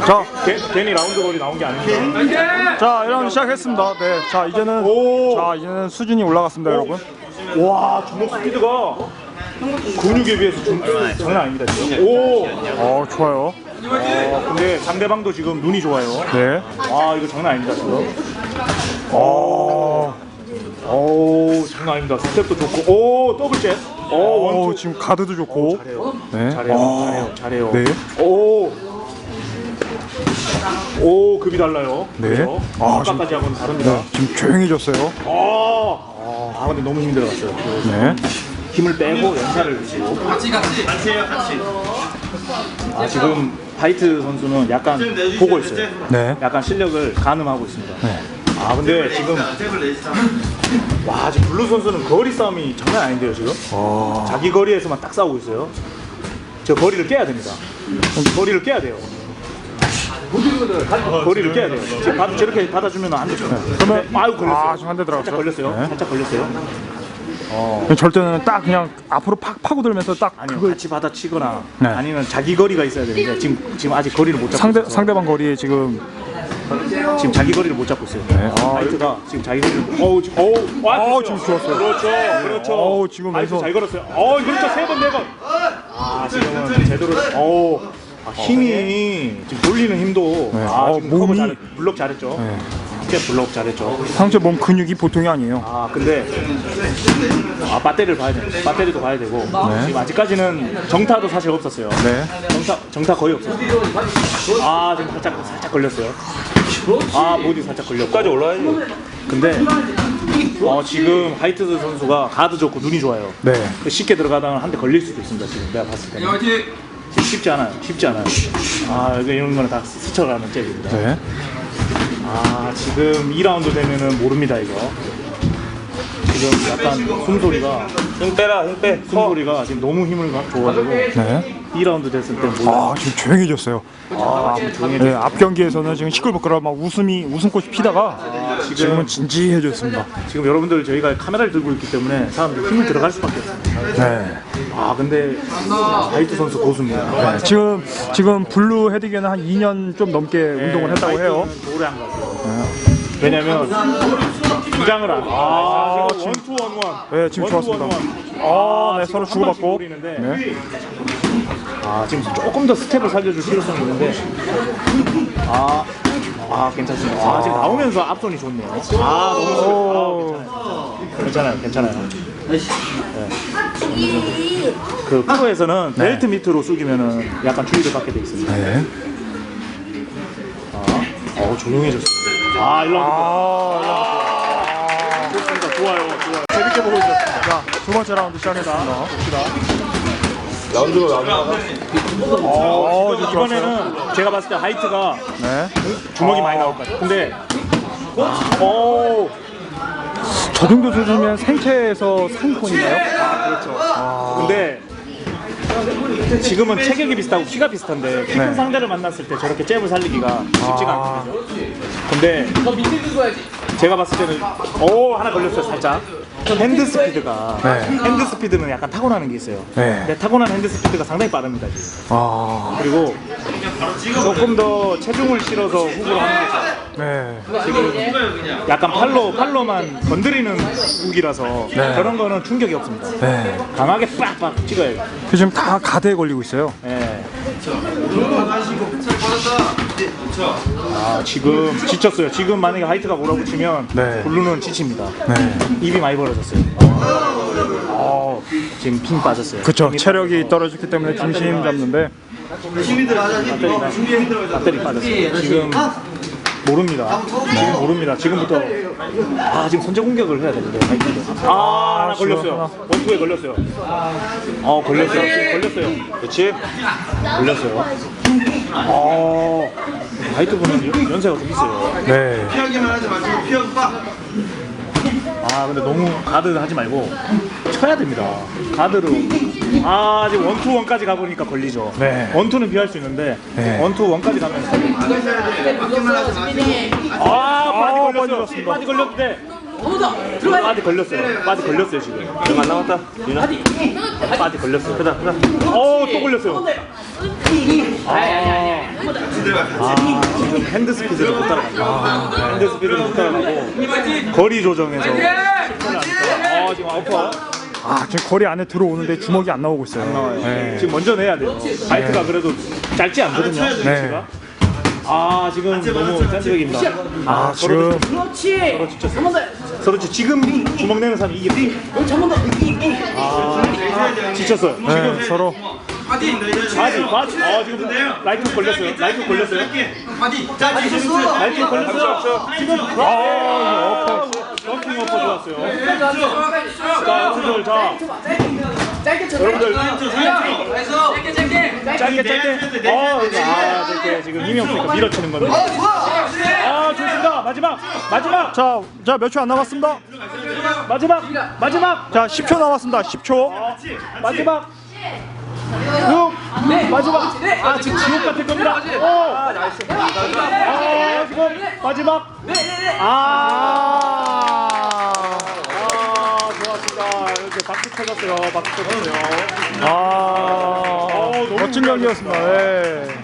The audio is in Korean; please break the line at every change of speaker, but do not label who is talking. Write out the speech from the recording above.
자,
괜히 라운드 거리 나온 게 아닙니다.
자, 1라운드 시작했습니다. 네, 자 이제는 수준이 올라갔습니다, 여러분.
와, 주먹 스피드가 근육에 비해서 장난 아닙니다 지금. 오,
좋아요.
근데 상대방도 지금 눈이 좋아요.
네.
아, 이거 장난 아닙니다 지금. 장난 아닙니다. 스텝도 좋고, 오, 더블 잽. 원투.
지금 가드도 좋고.
잘해요.
네.
잘해요.
네.
오, 급이 달라요.
네.
그렇죠? 아까까지 하고는 다릅니다.
네, 지금 조용해졌어요.
근데 너무 힘이 들어갔어요.
네.
힘을 빼고 연타를 주시고. 지금 화이트 선수는 약간 보고 있어요.
네.
약간 실력을 가늠하고 있습니다.
네.
근데 지금 지금 블루 선수는 거리 싸움이 장난 아닌데요 지금. 자기 거리에서만 딱 싸우고 있어요. 저 거리를 깨야 됩니다. 거리를 깨야 돼요. 거리를 깨야 돼요. 지금 저렇게 받아주면 안 되죠.
그러면
걸렸어요.
지금 한 대 들어갔죠.
살짝 걸렸어요.
네.
살짝 걸렸어요.
절대는 딱 그냥 앞으로 팍 파고들면서 딱
아니요,
그걸
같이 받아치거나
네.
아니면 자기 거리가 있어야 되는데 지금 아직 거리를 못 잡고 있어요.
상대방 거리에 지금
자기 거리를 못 잡고 있어요.
네.
화이트가 지금 자기 거리를
지금 좋았어요.
그렇죠.
지금
화이트
왼손.
잘 걸었어요. 그렇죠. 3번 4번. 지금은 제대로 힘이 지금 돌리는 힘도
네.
지금 커버
몸이
블록 잘했죠.
네.
스텝 블록 잘했죠.
상체 몸 근육이 보통이 아니에요.
근데 배터리를 봐야 돼요. 배터리도 봐야 되고 지금 아직까지는 정타도 사실 없었어요.
네.
정타 거의 없었어요. 지금 살짝 걸렸어요. 보디 살짝 걸렸고.
까지 올라야지.
근데 지금 화이트 선수가 가드 좋고 눈이 좋아요.
네.
쉽게 들어가다가 한 대 걸릴 수도 있습니다. 지금 내가 봤을 때는. 쉽지 않아요. 이런 거는 다 스쳐가는 잽입니다.
네.
지금 2라운드 되면은 모릅니다 이거. 지금 약간 숨소리가
힘 빼라, 힘 빼.
숨소리가 지금 너무 힘을 줘가지고
네.
2라운드 됐을 때 몰라요.
지금 조용해졌어요. 네, 앞 경기에서는 지금 시끌벅끌하고 막 웃음꽃이 피다가 지금은 진지해졌습니다.
지금 여러분들 저희가 카메라를 들고 있기 때문에 사람들 힘을 들어갈 수밖에 없어요.
네.
근데 화이트 선수 고수입니다.
네. 지금 블루 헤디게는 한 2년 좀 넘게 운동을 했다고 해요.
화이트는 오래 한 것 같아요. 왜냐면 긴장을 안. 지금 원투 원원.
네, 지금 좋았습니다. 네, 서로 주고받고. 네.
지금 조금 더 스텝을 살려줄 필요성이 있는데. 괜찮습니다. 지금 나오면서 앞손이 좋네요. 너무 괜찮아요. 네. 그 프로에서는 벨트 밑으로 숙이면은 약간 주의를 받게 돼 있습니다.
네.
조용해졌어요. 좋아요. 재밌게 보고 있었습니다.
자, 두 번째 라운드 시작했습니다.
라운드가 나가.
이번에는 제가 봤을 때 화이트가
네.
주먹이 많이 나올 것 같아요. 근데
저 정도 수준이면 생체에서 상위권인가요?
그렇죠. 근데 지금은 체격이 비슷하고 키가 비슷한데 키 큰 상대를 만났을 때 저렇게 잽을 살리기가 쉽지가 않거든요. 근데 제가 봤을 때는 하나 걸렸어요. 살짝 핸드 스피드가 핸드 스피드는 약간 타고나는 게 있어요. 근데 타고난 핸드 스피드가 상당히 빠릅니다 지금. 그리고 조금 더 체중을 실어서 훅으로 하는 게 좋아요. 지금 약간 팔로만 건드리는 훅이라서 그런 거는 충격이 없습니다. 강하게 빡빡 찍어야 돼요.
지금 다 가드에 걸리고 있어요.
지금 지쳤어요. 지금 만약에 화이트가 몰아붙이면 블루는 지칩니다. 입이 많이 벌어졌어요. 지금 핑 빠졌어요.
그렇죠. 체력이 떨어졌기 때문에 중심 잡는데
배터리 빠졌어요. 지금 모릅니다. 지금부터 지금 선제 공격을 해야 되는데 화이트도. 하나 걸렸어요. 원투에 걸렸어요. 걸렸어요. 지금 걸렸어요. 그렇지? 걸렸어요. 화이트분은 연세가 좀 있어요.
네.
피하기만 하지 마시고 피하고 빡.
근데 너무 가드 하지 말고 쳐야 됩니다. 가드로. 지금 원투 원까지 가보니까 걸리죠. 원투는 피할 수 있는데 원투 원까지 가면 바디 걸렸는데 바디 걸렸어요 지금.
얼마 안 남았다. 유나.
바디 걸렸어요.
크다.
또 걸렸어요. 지금 핸드 스피드를 못 따라갑니다. 핸드 스피드를 못 따라가고 거리 조정에서 지금 아웃파
지금 거리 안에 들어오는데 주먹이 안 나오고 있어요.
나와요.
네.
지금 먼저 내야 돼요. 바이트가 그래도 짧지 않거든요.
네.
위치가. 지금 너무 짠지백입니다.
지금
서로 지금 주먹 내는 사람이 이게 지쳤어요.
네, 서로
바지. 지금 라이트 걸렸어요. 라이트 걸렸어요. 지금 런킹 어퍼 좋았어요. 자, 여러분들 여러분들 짧게 짧게 지금 이명수가 밀어치는 건데. 좋습니다. 마지막
자 몇 초 안 남았습니다.
마지막
자 10초 남았습니다. 10초.
마지막 지금 지옥 같을 겁니다. 지금 마지막 좋았습니다. 이렇게 박수 쳐줬어요.
멋진 경기였습니다. 네.